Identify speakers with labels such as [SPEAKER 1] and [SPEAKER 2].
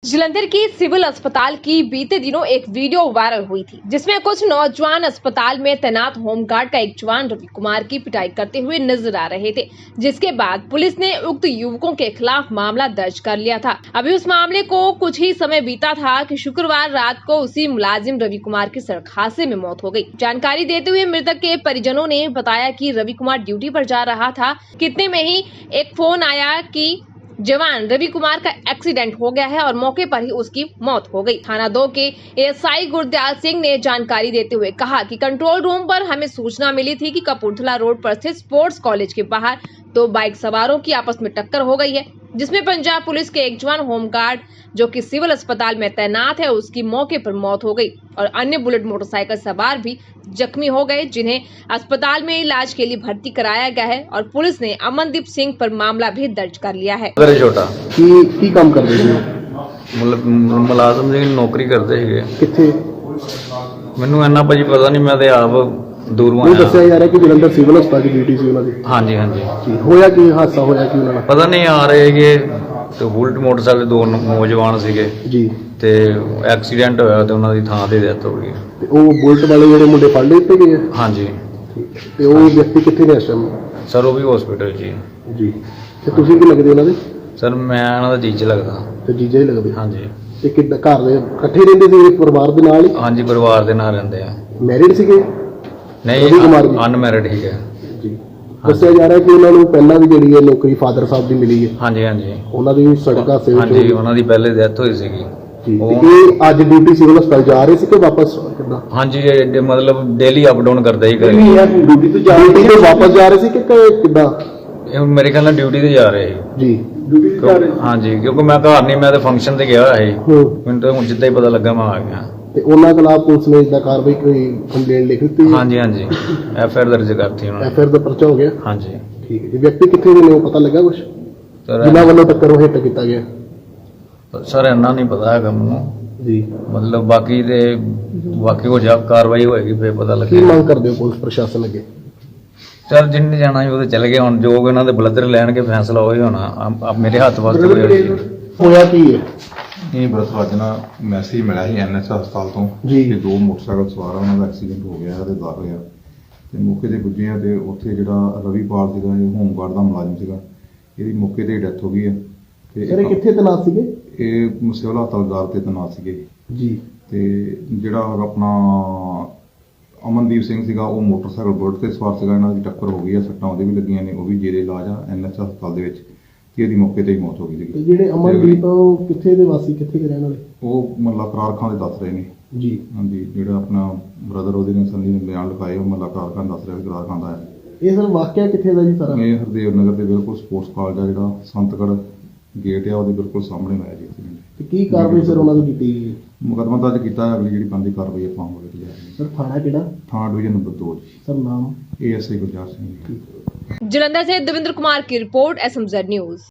[SPEAKER 1] जलंधर की सिविल अस्पताल की बीते दिनों एक वीडियो वायरल हुई थी, जिसमें कुछ नौजवान अस्पताल में तैनात होमगार्ड का एक जवान रवि कुमार की पिटाई करते हुए नजर आ रहे थे, जिसके बाद पुलिस ने उक्त युवकों के खिलाफ मामला दर्ज कर लिया था। अभी उस मामले को कुछ ही समय बीता था कि शुक्रवार रात को उसी मुलाजिम रवि कुमार की सड़क हादसे में मौत हो गई। जानकारी देते हुए मृतक के परिजनों ने बताया कि रवि कुमार ड्यूटी पर जा रहा था, कितने में ही एक फोन आया कि जवान रवि कुमार का एक्सीडेंट हो गया है और मौके पर ही उसकी मौत हो गई। थाना 2 के एएसआई गुरदयाल सिंह ने जानकारी देते हुए कहा कि कंट्रोल रूम पर हमें सूचना मिली थी कि कपूरथला रोड पर स्थित स्पोर्ट्स कॉलेज के बाहर दो बाइक सवारों की आपस में टक्कर हो गई है, जिसमें पंजाब पुलिस के एक जवान होमगार्ड जो कि सिविल अस्पताल में तैनात है उसकी मौके पर मौत हो गई और अन्य बुलेट मोटरसाइकिल सवार भी जख्मी हो गए, जिन्हें अस्पताल में इलाज के लिए भर्ती कराया गया है और पुलिस ने अमनदीप सिंह पर मामला भी दर्ज कर लिया है।
[SPEAKER 2] ਛੋਟਾ
[SPEAKER 3] ਕੀ ਕੰਮ ਕਰਦੇ ਸੀ?
[SPEAKER 2] ਮੁਲਾਜ਼ਮ ਦੀ ਨੌਕਰੀ ਕਰਦੇ ਸੀਗੇ।
[SPEAKER 3] ਕਿੱਥੇ?
[SPEAKER 2] ਮੈਨੂੰ ਇੰਨਾ ਭਾਜੀ ਪਤਾ ਨਹੀਂ, ਮੈਂ ਤੇ ਆਪ ਦੂਰੋਂ
[SPEAKER 3] ਉਹ
[SPEAKER 2] ਆਇਆ।
[SPEAKER 3] ਦੱਸਿਆ ਜਾ ਰਿਹਾ ਕਿ ਜਲੰਧਰ ਸਿਵਲ ਹਸਪਤਾਲ ਦੀ ਡਿਊਟੀ ਸੀ ਉਹਨਾਂ ਦੀ।
[SPEAKER 2] ਹਾਂਜੀ ਹਾਂਜੀ
[SPEAKER 3] ਜੀ ਹੋਇਆ ਕੀ ਹਾਦਸਾ ਹੋਇਆ ਕੀ ਉਹਨਾਂ ਨਾਲ?
[SPEAKER 2] ਪਤਾ ਨਹੀਂ ਆ ਰਹੇ ਹੈਗੇ ਤੇ ਬੁਲਟ ਮੋਟਰਸਾਈਕਲ ਦੋ ਨੌਜਵਾਨ ਸੀਗੇ
[SPEAKER 3] ਜੀ
[SPEAKER 2] ਤੇ ਐਕਸੀਡੈਂਟ ਹੋਇਆ ਤੇ ਉਹਨਾਂ ਦੀ ਥਾਂ ਤੇ ਡੈਥ ਹੋ ਗਈ।
[SPEAKER 3] ਤੇ ਉਹ ਬੁਲਟ ਵਾਲੇ ਜਿਹੜੇ ਮੁੰਡੇ ਫੜ ਲਏ ਤੇ ਗਏ?
[SPEAKER 2] ਹਾਂਜੀ
[SPEAKER 3] ਤੇ ਉਹ ਵਿਅਕਤੀ ਕਿੱਥੇ ਨੇ ਇਸ ਟਾਈਮ?
[SPEAKER 2] ਸਰ ਉਹ ਵੀ ਹਸਪੀਟਲ 'ਚ ਹੀ।
[SPEAKER 3] ਜੀ ਤੇ ਤੁਸੀਂ ਕੀ ਲੱਗਦੇ ਉਹਨਾਂ ਦੇ?
[SPEAKER 2] ਸਰ ਮੈਂ ਉਹਨਾਂ ਦਾ ਜੀਜਾ ਲੱਗਦਾ।
[SPEAKER 3] ਤੇ ਜੀਜਾ ਹੀ ਲੱਗਦੇ?
[SPEAKER 2] ਹਾਂਜੀ
[SPEAKER 3] ਤੇ ਕਿੱਦਾਂ ਘਰ ਦੇ ਇਕੱਠੇ ਰਹਿੰਦੇ ਸੀ ਪਰਿਵਾਰ ਦੇ ਨਾਲ ਹੀ?
[SPEAKER 2] ਹਾਂਜੀ ਪਰਿਵਾਰ ਦੇ ਨਾਲ ਰਹਿੰਦੇ ਆ।
[SPEAKER 3] ਮੈਰਿਡ ਸੀਗੇ?
[SPEAKER 2] ਨਹੀਂ
[SPEAKER 3] ਰਵੀ ਕੁਮਾਰ ਜੀ
[SPEAKER 2] ਅਨਮੈਰਿਡ ਹੀ ਹੈ।
[SPEAKER 3] ਜੀ ਦੱਸਿਆ ਜਾ ਰਿਹਾ ਕਿ ਉਹਨਾਂ ਨੂੰ ਪਹਿਲਾਂ ਵੀ ਜਿਹੜੀ ਹੈ ਨੌਕਰੀ ਫਾਦਰ ਸਾਹਿਬ ਦੀ ਮਿਲੀ ਹੈ।
[SPEAKER 2] ਹਾਂਜੀ ਹਾਂਜੀ
[SPEAKER 3] ਉਹਨਾਂ ਦੀ ਸੜਕ ਹਾਦਸੇ ਵਿੱਚ
[SPEAKER 2] ਹਾਂਜੀ ਉਹਨਾਂ ਦੀ ਪਹਿਲੇ ਡੈਥ ਹੋਈ ਸੀਗੀ।
[SPEAKER 3] ਜੀ ਤੇ ਇਹ ਅੱਜ ਡਿਊਟੀ ਸਿਵਲ ਹਸਪਤਾਲ ਜਾ ਰਹੇ ਸੀ ਕਿ ਵਾਪਸ ਕਿੱਦਾਂ?
[SPEAKER 2] ਹਾਂਜੀ ਇਹ ਮਤਲਬ ਡੇਲੀ ਅਪ ਡਾਊਨ ਕਰਦਾ ਹੀ ਕਰੇ।
[SPEAKER 3] ਡਿਊਟੀ ਤੋਂ ਜਾ ਰਹੇ ਸੀ ਵਾਪਸ ਜਾ ਰਹੇ ਸੀ ਕਿ ਕਿੱਦਾਂ?
[SPEAKER 2] ਇਹ ਮੇਰੇ ਖਿਆਲ ਨਾਲ ਡਿਊਟੀ ਤੇ ਜਾ ਰਹੇ ਸੀ।
[SPEAKER 3] ਜੀ ਡਿਊਟੀ ਤੇ ਜਾ ਰਹੇ ਸੀ।
[SPEAKER 2] ਹਾਂਜੀ ਕਿਉਂਕਿ ਮੈਂ ਘਰ ਨਹੀਂ, ਮੈਂ ਤਾਂ ਫੰਕਸ਼ਨ ਤੇ ਗਿਆ ਹੋਇਆ ਸੀ। ਮੈਨੂੰ ਤਾਂ ਹੁਣ ਜਿੱਦਾਂ ਹੀ ਪਤਾ ਲੱਗਾ ਮੈਂ ਆ ਗਿਆ।
[SPEAKER 3] ਤੇ ਉਹਨਾਂ ਖਿਲਾਫ ਪੁਲਿਸ ਨੇ ਇਦਾਂ ਕਾਰਵਾਈ ਕੋਈ ਕੰਪਲੇਂਟ ਲਿਖ ਦਿੱਤੀ?
[SPEAKER 2] ਹਾਂਜੀ ਹਾਂਜੀ ਐਫਆਈਆਰ ਦਰਜ ਕਰਤੀ ਉਹਨਾਂ ਨੇ।
[SPEAKER 3] ਐਫਆਈਆਰ ਦਾ ਪਰਚਾ ਹੋ ਗਿਆ?
[SPEAKER 2] ਹਾਂਜੀ
[SPEAKER 3] ਠੀਕ ਹੈ ਜੀ। ਵਿਅਕਤੀ ਕਿੱਥੇ ਦੇ ਨੇ ਉਹ ਪਤਾ ਲੱਗਾ ਕੁਝ ਜਿਨ੍ਹਾਂ ਵੱਲੋਂ ਟੱਕਰ ਉਹ ਹਿੱਟ ਕੀਤਾ ਗਿਆ?
[SPEAKER 2] ਸਰ ਇੰਨਾ ਨਹੀਂ ਪਤਾ ਹੈਗਾ ਮੈਨੂੰ
[SPEAKER 3] ਜੀ
[SPEAKER 2] ਮਤਲਬ ਬਾਕੀ ਹੋ ਜਾ ਕਾਰਵਾਈ ਹੋਏਗੀ ਫੇਰ ਪਤਾ
[SPEAKER 3] ਕੀ
[SPEAKER 2] ਲੱਗੇਗਾ।
[SPEAKER 3] ਮੰਗ ਕਰਦੇ ਹੋ ਪੁਲਿਸ ਪ੍ਰਸ਼ਾਸਨ ਅੱਗੇ?
[SPEAKER 2] ਸਰ ਜਿੰਨੇ ਜਾਣਾ ਸੀ ਉਹ ਤੇ ਚਲੇ ਗਏ, ਹੁਣ ਜੋ ਇਹਨਾਂ ਦੇ ਬਲੱਦਰ ਲੈਣਗੇ ਫੈਸਲਾ ਉਹੀ ਹੋਣਾ। ਮੇਰੇ ਹੱਥ ਵਾਸਤੇ
[SPEAKER 3] ਹੋਇਆ ਕੀ ਹੈ?
[SPEAKER 4] ਇਹ ਬਸ ਅੱਜ ਨਾ ਮੈਸੇਜ ਮਿਲਿਆ ਸੀ ਐਨਐਚ ਹਸਪਤਾਲ ਤੋਂ
[SPEAKER 3] ਜੀ।
[SPEAKER 4] ਕਿ ਦੋ ਮੋਟਰਸਾਈਕਲ ਸਵਾਰ ਉਹਨਾਂ ਦਾ ਐਕਸੀਡੈਂਟ ਹੋ ਗਿਆ ਤੇ ਦਾਖਲ ਹੋਇਆ ਤੇ ਮੌਕੇ ਤੇ ਪੁੱਜੇ ਆ ਤੇ ਉੱਥੇ ਜਿਹੜਾ ਰਵੀਪਾਲ ਸੀਗਾ ਇਹ ਹੋਮਗਾਰਡ ਦਾ ਮੁਲਾਜ਼ਮ ਸੀਗਾ, ਇਹਦੀ ਮੌਕੇ ਤੇ ਡੈਥ ਹੋ ਗਈ ਹੈ। ਤੇ
[SPEAKER 3] ਸਰ ਇਹ ਕਿੱਥੇ ਤੈਨਾਤ ਸੀਗੇ?
[SPEAKER 4] ਇਹ ਸਿਵਲ ਹਸਪਤਾਲ ਤੇ ਤੈਨਾਤ ਸੀਗੇ
[SPEAKER 3] ਜੀ
[SPEAKER 4] ਤੇ ਜਿਹੜਾ ਆਪਣਾ ਅਮਨਦੀਪ ਸਿੰਘ ਸੀਗਾ ਉਹ ਮੋਟਰਸਾਈਕਲ ਬੁਲਟ ਤੇ ਸਵਾਰ ਸੀਗਾ, ਇਹਨਾਂ ਦੀ ਟੱਕਰ ਹੋ ਗਈ ਹੈ, ਸੱਟਾਂ ਉਹਦੇ ਵੀ ਲੱਗੀਆਂ ਨੇ, ਉਹ ਵੀ ਜੇਰੇ ਇਲਾਜ ਆ ਐਨਐਚ ਹਸਪਤਾਲ ਦੇ ਵਿੱਚ ਤੇ ਇਹਦੀ ਮੌਕੇ ਤੇ ਹੀ ਮੌਤ ਹੋ ਗਈ
[SPEAKER 3] ਤੇ
[SPEAKER 4] ਸੀਗੀ।
[SPEAKER 3] ਜਿਹੜੇ ਅਮਨਦੀਪ ਉਹ ਕਿੱਥੇ ਦੇ ਵਾਸੀ, ਕਿੱਥੇ ਦੇ ਰਹਿਣ ਵਾਲੇ?
[SPEAKER 4] ਉਹ ਮੱਲਾ ਕਰਾਰ ਖਾਂ ਦੇ ਦੱਸ ਰਹੇ ਨੇ।
[SPEAKER 3] ਜੀ
[SPEAKER 4] ਹਾਂਜੀ ਜਿਹੜਾ ਆਪਣਾ ਬ੍ਰਦਰ ਉਹਦੇ ਨੇ ਸੰਨੀ ਨੇ ਬਿਆਨ ਲਿਖਾਏ, ਉਹ ਮੱਲਾ ਕਰਾਰ ਖਾਂ ਦੱਸ ਰਿਹਾ ਵੀ ਕਰਾਰ ਖਾਂ ਦਾ ਹੈ।
[SPEAKER 3] ਇਹ ਸਰ ਵਾਕਿਆ ਕਿੱਥੇ ਦਾ ਜੀ ਸਾਰਾ?
[SPEAKER 4] ਇਹ ਹਰਦੇਵ ਨਗਰ ਦੇ ਬਿਲਕੁਲ ਸਪੋਰਟਸ ਕਾਲਜ ਆ ਜਿਹੜਾ ਸੰਤਗੜ੍ਹ ਗੇਟ ਆ ਉਹਦੇ ਬਿਲਕੁਲ ਸਾਹਮਣੇ ਹੋਇਆ ਜੀ ਐਕਸੀਡੈਂਟ।
[SPEAKER 3] ਤੇ ਕੀ ਕਾਰਵਾਈ ਸਰ ਉਹਨਾਂ ਦੀ ਕੀਤੀ ਗਈ?
[SPEAKER 4] ਮੁਕੱਦਮਾ ਦਰਜ ਕੀਤਾ ਹੈ, ਅਗਲੀ ਜਿਹੜੀ ਬਣਦੀ ਕਾਰਵਾਈ ਆਪਾਂ ਹੋਵੇ ਤੇ ਜਾਏਗੀ।
[SPEAKER 3] ਸਰ ਥਾਣਾ ਕਿਹੜਾ?
[SPEAKER 4] ਥਾਣਾ ਡਿਵੀਜ਼ਨ ਨੰਬਰ 2 ਜੀ।
[SPEAKER 3] ਸਰ ਨਾਮ?
[SPEAKER 4] ASI ਗੁਰਜਾਰ ਸਿੰਘ ਜੀ।
[SPEAKER 1] जलंधर से देवेंद्र कुमार की रिपोर्ट, SMZ न्यूज।